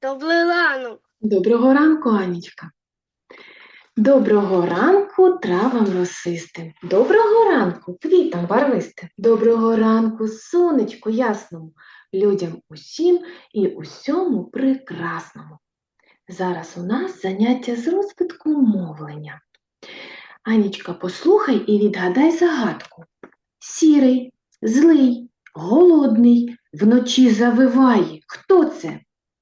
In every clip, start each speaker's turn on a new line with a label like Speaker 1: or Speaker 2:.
Speaker 1: Добрий ранок.
Speaker 2: Доброго ранку, Анічка. Доброго ранку травам росистим. Доброго ранку квітам барвистим. Доброго ранку сонечку ясному, людям усім і усьому прекрасному. Зараз у нас заняття з розвитку мовлення. Анічка, послухай і відгадай загадку. Сірий, злий, голодний, вночі завиває. Хто це?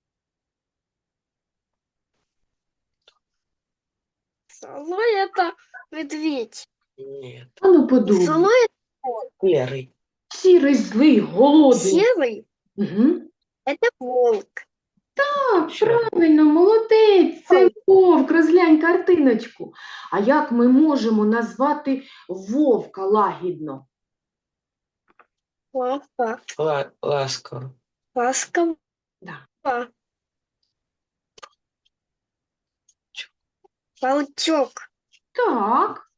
Speaker 1: Злой это медведь.
Speaker 3: Нет,
Speaker 2: Ану подумай.
Speaker 1: Злой
Speaker 3: серый.
Speaker 2: Сірий, злий, голодний.
Speaker 1: серый
Speaker 2: Угу.
Speaker 1: это волк.
Speaker 2: Так,
Speaker 3: Що?
Speaker 2: правильно, молодець, це вовк, розглянь картиночку. А як ми можемо назвати вовка лагідно?
Speaker 1: Волка.
Speaker 3: Ласково.
Speaker 1: Ласково.
Speaker 2: Да.
Speaker 1: Волчок.
Speaker 2: Так.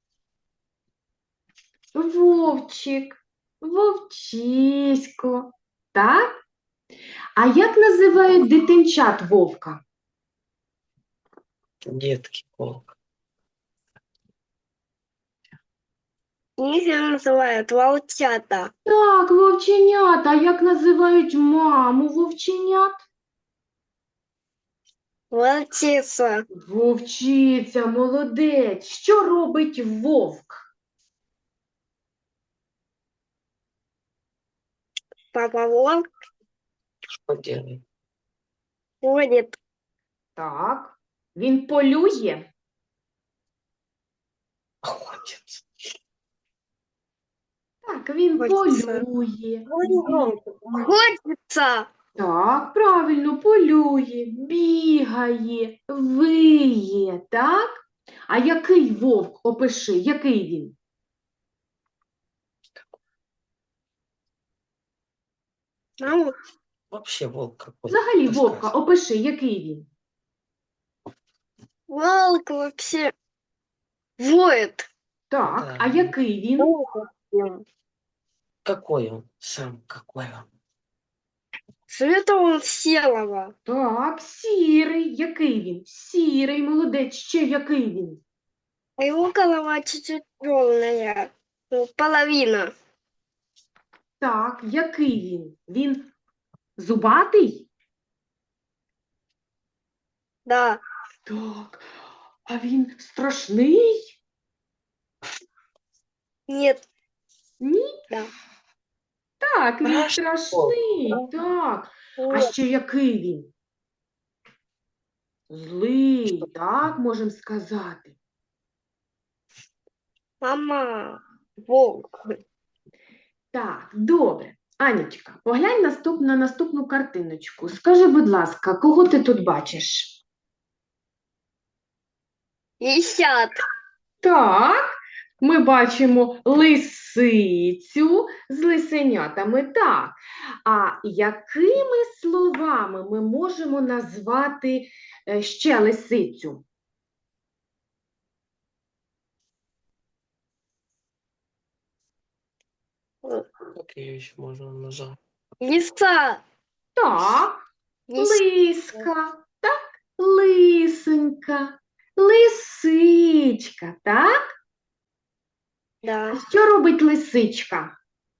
Speaker 2: Вовчик, вовчисько. Так? А як називають дитинчат вовка?
Speaker 3: Детки волк.
Speaker 1: Их называют волчата.
Speaker 2: Так, вовченята. А як називають маму вовченят?
Speaker 1: Волчица.
Speaker 2: Вовчиця, молодець. Що робить вовк?
Speaker 1: Папа волк
Speaker 3: Что делает?
Speaker 1: ходит.
Speaker 2: Так. Він полює?
Speaker 3: Охотится.
Speaker 2: Так, він
Speaker 1: Хочеться.
Speaker 2: полює.
Speaker 1: Ходится.
Speaker 2: Так, правильно, полює, бігає, виє, так? А який вовк, опиши, який він?
Speaker 1: Ну,
Speaker 3: Вообще волк какой.
Speaker 2: Взагалі вовка,
Speaker 3: Рассказывай.
Speaker 2: опиши, який він?
Speaker 1: волк вообще воет.
Speaker 2: Так,
Speaker 3: Так.
Speaker 2: а який він?
Speaker 3: Какой он? Сам какой он?
Speaker 1: Цвета он серого.
Speaker 2: Так, сірий, який він? Сірий, молодець, ще який він?
Speaker 1: А его голова чуть-чуть черная. Ну, половина.
Speaker 2: Так, який він? Він зубатий?
Speaker 1: Да.
Speaker 2: Так, а він страшний?
Speaker 1: Нет.
Speaker 2: Ні?
Speaker 1: Да.
Speaker 2: Так, він
Speaker 3: Страшний
Speaker 2: страшний, так. А
Speaker 1: Нет.
Speaker 2: ще який він? Злий, так, можемо сказати.
Speaker 1: Мама. Волк.
Speaker 2: Так, добре. Анічка, поглянь на наступну картиночку. Скажи, будь ласка, кого ти тут бачиш?
Speaker 1: Лисят.
Speaker 2: Так, ми бачимо лисицю з лисенятами, так. А якими словами ми можемо назвати ще лисицю?
Speaker 3: Как ее еще можно назвать?
Speaker 1: Лиса.
Speaker 2: Так,
Speaker 1: Лис-
Speaker 2: лиска, так, лисенька, лисичка, так?
Speaker 1: Да.
Speaker 2: Що робить лисичка?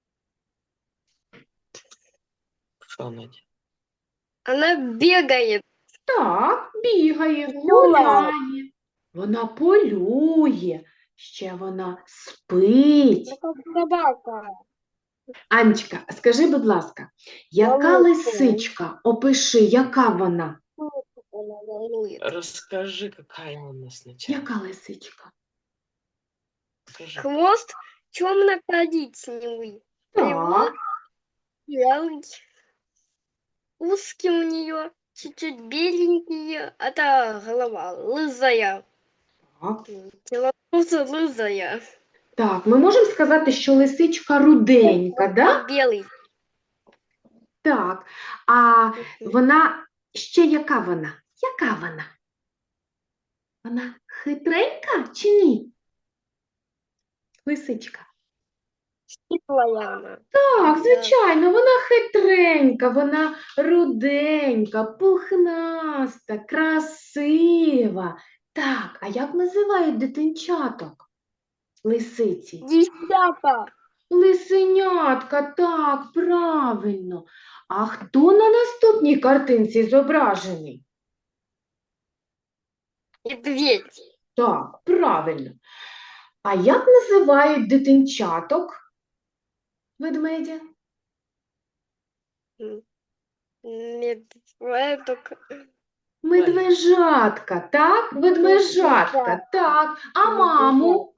Speaker 3: Что она делает?
Speaker 1: Она бегает.
Speaker 2: Так, бігає,
Speaker 1: Гуляє.
Speaker 2: гуляє, вона полює, ще вона спить.
Speaker 1: Ну, как собака.
Speaker 2: Анечка, скажи, будь ласка, яка
Speaker 1: Волосся.
Speaker 2: лисичка? Опиши, яка вона?
Speaker 1: Она ворует.
Speaker 3: Расскажи, какая она сначала.
Speaker 2: Яка лисичка?
Speaker 3: Скажи.
Speaker 1: Хвост темно-коричневый.
Speaker 2: Так,
Speaker 1: Белый. Узкий у нее. Чуть-чуть беленький. Это голова лызая.
Speaker 2: так.
Speaker 1: Тело тоже лызая.
Speaker 2: Так, ми можемо сказати, що лисичка руденька, да?
Speaker 1: Белый.
Speaker 2: Так, а вона, ще яка вона? Яка вона? Вона хитренька чи ні? Лисичка.
Speaker 1: Хитрая она.
Speaker 2: Так,
Speaker 1: Да.
Speaker 2: звичайно, вона хитренька, вона руденька, пухнаста, красива. Так, а як називають дитинчаток? Лисиці.
Speaker 1: Десята.
Speaker 2: Лисенятка, так, правильно. А хто на наступній картинці зображений?
Speaker 1: Медведь.
Speaker 2: Так, правильно. А як називають дитинчаток ведмедя?
Speaker 1: Медведок.
Speaker 2: Медвежатка, так? Ведмежатка, так. А маму?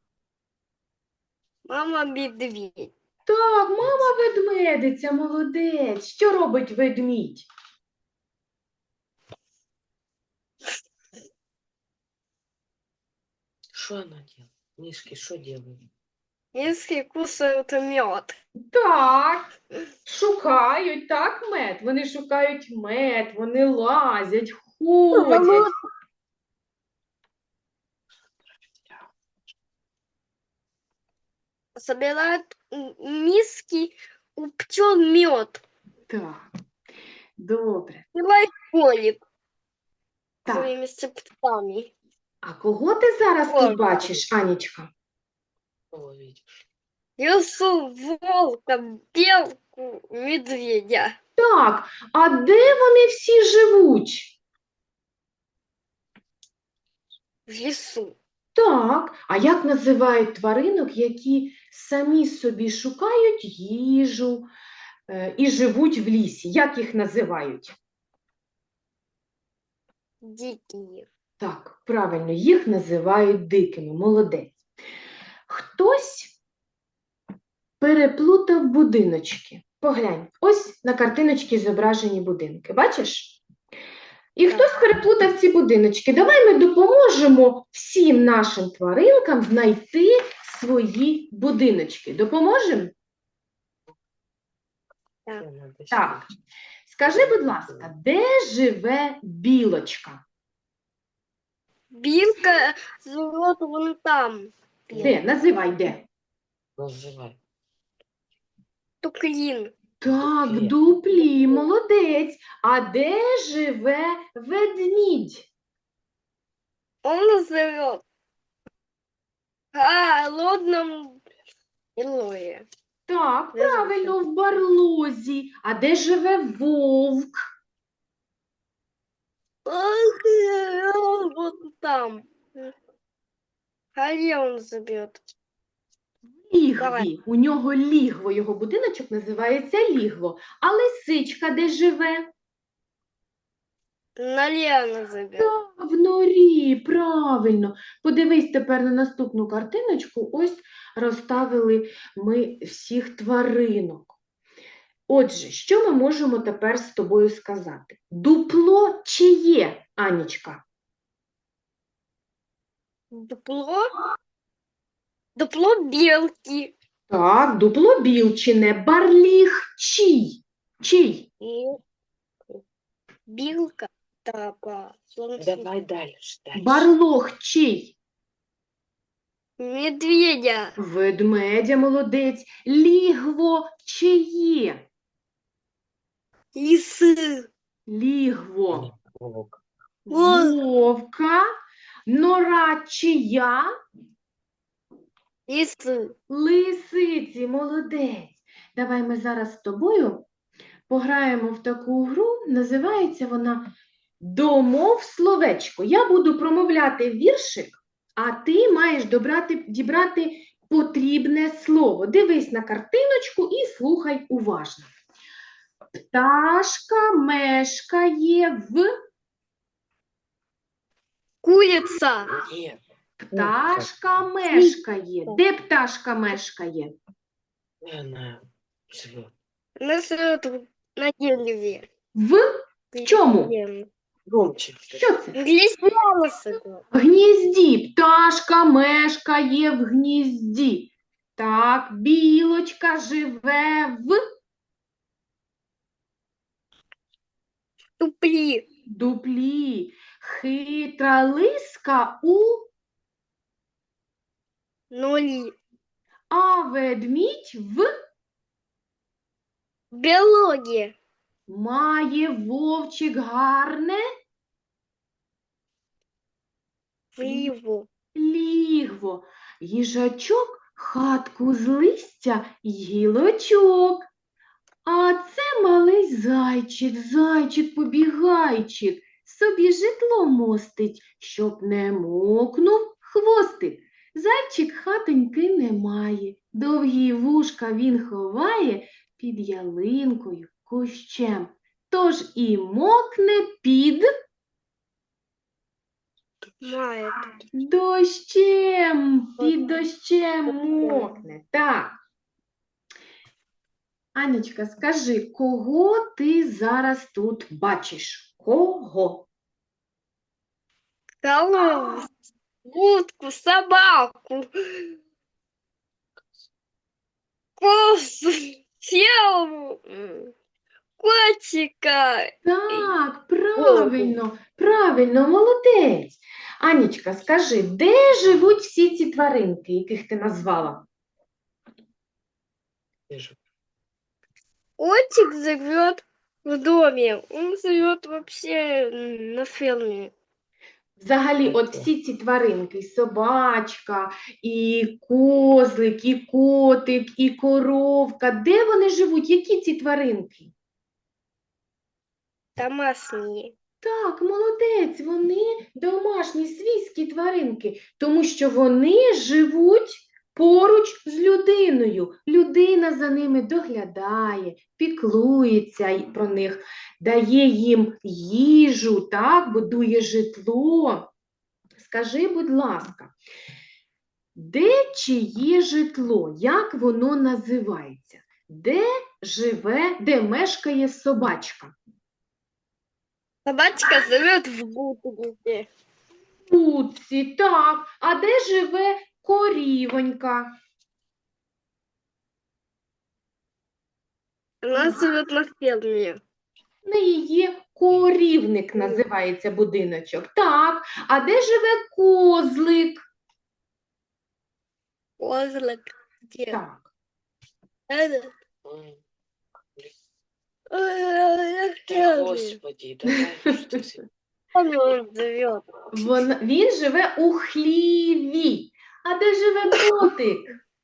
Speaker 1: Мама медведь.
Speaker 2: Так, мама ведмедиця, молодець. Що робить ведмідь?
Speaker 3: Что она делает? Мишки, что делают?
Speaker 1: Если кусают мед.
Speaker 2: Так, шукають, так, мед? Вони шукають мед, вони лазять, ходять.
Speaker 1: Собирают миски у пчел мед.
Speaker 2: Так, добре.
Speaker 1: Пила ходит
Speaker 2: Так,
Speaker 1: своими цепками.
Speaker 2: а кого ти зараз тут
Speaker 1: Ой.
Speaker 2: бачиш, Анічка?
Speaker 3: Кого видишь?
Speaker 1: Лесу волка, белку, медведя.
Speaker 2: Так, а де вони всі живуть?
Speaker 1: В лесу.
Speaker 2: Так, а як називають тваринок, які самі собі шукають їжу і живуть в лісі? Як їх називають?
Speaker 1: Дикие.
Speaker 2: Так, правильно, їх називають дикими. Молодець. Хтось переплутав будиночки. Поглянь, ось на картиночці зображені будинки. Бачиш? І
Speaker 1: Так.
Speaker 2: хтось переплутав ці будиночки. Давай ми допоможемо всім нашим тваринкам знайти свої будиночки. Допоможемо?
Speaker 1: Так.
Speaker 3: Надо
Speaker 2: Так.
Speaker 3: сидеть.
Speaker 2: Скажи, будь ласка, де живе білочка?
Speaker 1: Билка живет вон там.
Speaker 2: Де? Називай де.
Speaker 3: Называй.
Speaker 1: Туклин.
Speaker 2: Так, в
Speaker 3: Дуплі.
Speaker 2: дуплі, молодець. А де живе ведмідь?
Speaker 1: Он живет в холодном илое.
Speaker 2: Так,
Speaker 1: Де живе?
Speaker 2: правильно, в барлозі. А де живе вовк?
Speaker 1: Он вот там. Где он живет?
Speaker 2: Лігві.
Speaker 1: Давай.
Speaker 2: У нього лігво, його будиночок називається лігво. А лисичка де живе?
Speaker 1: Налево живет.
Speaker 2: В норі, правильно. Подивись тепер на наступну картиночку. Ось розставили ми всіх тваринок. Отже, що ми можемо тепер з тобою сказати? Дупло чиє, Анічка?
Speaker 1: Дупло? Дупло белки.
Speaker 2: Так, дупло білчине. Барліг чий? Чий?
Speaker 1: И билка. Тапа.
Speaker 3: Давай дальше.
Speaker 2: Барлог чий?
Speaker 1: Медведя.
Speaker 2: Ведмедя, молодець. Лігво чиє?
Speaker 1: Лисы.
Speaker 2: Лігво
Speaker 3: Волк.
Speaker 2: вовка. Нора чия?
Speaker 1: Лисы.
Speaker 2: Лисиці, молодець. Давай ми зараз з тобою пограємо в таку гру. Називається вона «Домов словечко». Я буду промовляти віршик, а ти маєш дібрати потрібне слово. Дивись на картиночку і слухай уважно. Пташка мешкає в...
Speaker 1: Курица.
Speaker 3: Нет.
Speaker 2: Пташка мешкає. Де пташка мешкає?
Speaker 3: Где она живет?
Speaker 1: Она живет на дереве.
Speaker 2: В чому?
Speaker 3: Громче.
Speaker 2: Що це?
Speaker 1: Глисяна.
Speaker 2: В гнізді. Пташка мешкає в гнізді. Так, білочка живе в
Speaker 1: Тупли.
Speaker 2: дуплі. Хитра лиска у...
Speaker 1: Нули.
Speaker 2: а ведмідь
Speaker 1: Биология.
Speaker 2: має вовчик гарне
Speaker 1: Вливу.
Speaker 2: лігво, їжачок хатку з листя й гілочок. А це малий зайчик-побігайчик, собі житло мостить, щоб не мокнув хвостик. Зайчик хатоньки не має, довгі вушка він ховає під ялинкою, кущем. Тож і мокне під
Speaker 1: Мает.
Speaker 2: дощем, під дощем мокне. Так. Анечка, скажи, кого ти зараз тут бачиш? Кого?
Speaker 1: Корову. Утку, собаку. Косу. Севу. Котика.
Speaker 2: Так, правильно, молодець. Анечка, скажи, де живуть всі ці тваринки, яких ти назвала?
Speaker 3: Вижу.
Speaker 1: Котик живет в доме. Он живет вообще на ферме.
Speaker 2: Взагалі, от всі ці тваринки, і собачка, і козлик, і котик, і коровка, де вони живуть? Які ці тваринки?
Speaker 1: Домашние.
Speaker 2: Так, молодець, вони домашні свійські тваринки, тому що вони живуть поруч з людиною. Людина за ними доглядає, піклується про них, дає їм їжу, так, будує житло. Скажи, будь ласка, де чиє житло? Як воно називається? Де живе, де мешкає собачка?
Speaker 1: Собачка живет в будке.
Speaker 2: Будці, так. А де живе корівонька?
Speaker 1: Она живет на ферме.
Speaker 2: В неї є корівник, називається будиночок. Так. А де живе козлик?
Speaker 1: Козлик. Где?
Speaker 2: Так.
Speaker 1: Это.
Speaker 3: М,
Speaker 1: На
Speaker 3: Та,
Speaker 1: ферме.
Speaker 3: Господи, давай, що ти?
Speaker 1: Он живет.
Speaker 2: Він живе у хліві. А де живе котик?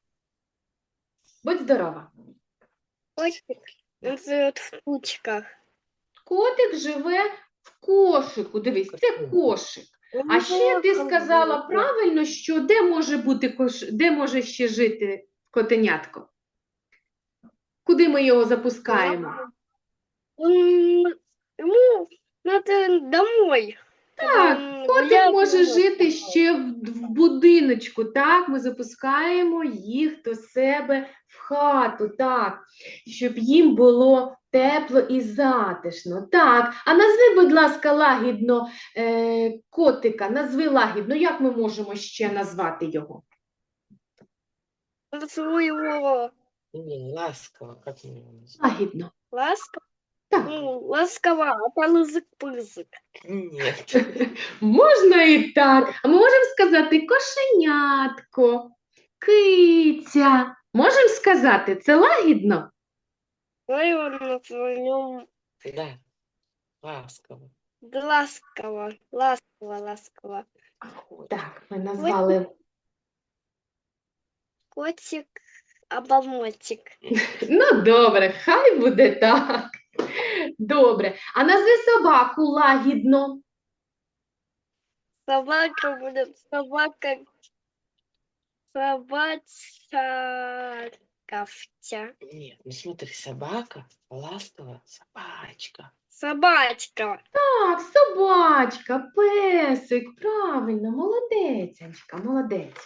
Speaker 2: Будь здорова.
Speaker 1: Котик. Он живет в кучках.
Speaker 2: Котик живе в кошику. Дивись, це кошик. А ще ти сказала правильно, що де може бути де може ще жити котенятко? Куди ми його запускаємо?
Speaker 1: Ему надо домой.
Speaker 2: Так,
Speaker 1: Он
Speaker 2: котик
Speaker 1: гулял
Speaker 2: може
Speaker 1: дома.
Speaker 2: жити ще в будиночку. Так, ми запускаємо їх до себе в хату, так, щоб їм було тепло і затишно. Так, а назви, будь ласка, лагідно котика, назви лагідно, як ми можемо ще назвати його?
Speaker 1: Назову его
Speaker 3: Не, ласково, как мне его назвать?
Speaker 2: Лагідно.
Speaker 1: ласково.
Speaker 2: Так,
Speaker 1: Ну, ласково, а то лызык-пызык.
Speaker 3: Нет.
Speaker 2: можна і так. А ми можемо сказати кошенятко, киця. Можемо сказати, це лагідно?
Speaker 1: Давай его назовем
Speaker 3: Да, ласково.
Speaker 1: ласково. Ласково.
Speaker 2: Так, ми назвали.
Speaker 1: Котик, оболмотик.
Speaker 2: Ну, добре, хай буде так. Добре. А назви собаку лагідно.
Speaker 1: Собака будет собачка.
Speaker 3: Нет, ну смотри, собака, ласково, собачка.
Speaker 1: Собачка.
Speaker 2: Так, собачка, песик, правильно, молодець, Анечка, молодець.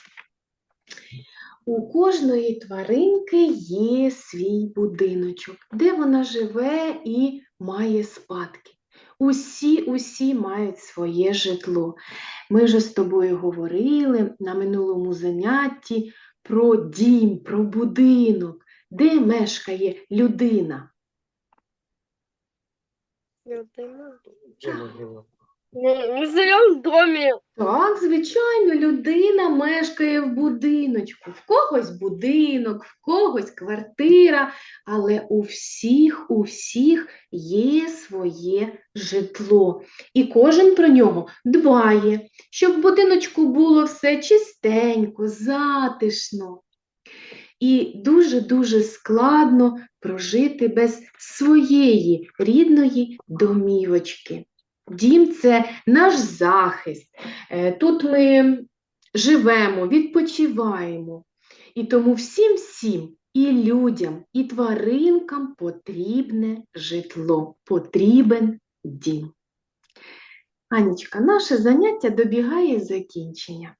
Speaker 2: У кожної тваринки є свій будиночок, де вона живе і має спадки. Усі мають своє житло. Ми вже з тобою говорили на минулому занятті про дім, про будинок, де мешкає людина.
Speaker 1: Людина.
Speaker 3: Где могила?
Speaker 1: Мы живем в доме.
Speaker 2: Так, звичайно, людина мешкає в будиночку. В когось будинок, в когось квартира, але у всіх є своє житло. І кожен про нього дбає, щоб в будиночку було все чистенько, затишно. І дуже-дуже складно прожити без своєї рідної домівочки. Дім – це наш захист. Тут ми живемо, відпочиваємо. І тому всім, і людям, і тваринкам потрібне житло, потрібен дім. Анічка, наше заняття добігає закінчення.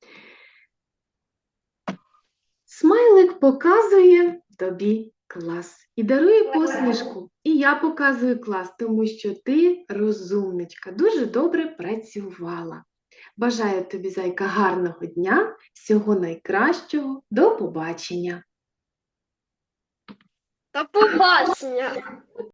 Speaker 2: Смайлик показує тобі клас і дарує посмішку. І я показую клас, тому що ти розумничка, дуже добре працювала. Бажаю тобі, зайка, гарного дня, всього найкращого, до побачення.
Speaker 1: До побачення.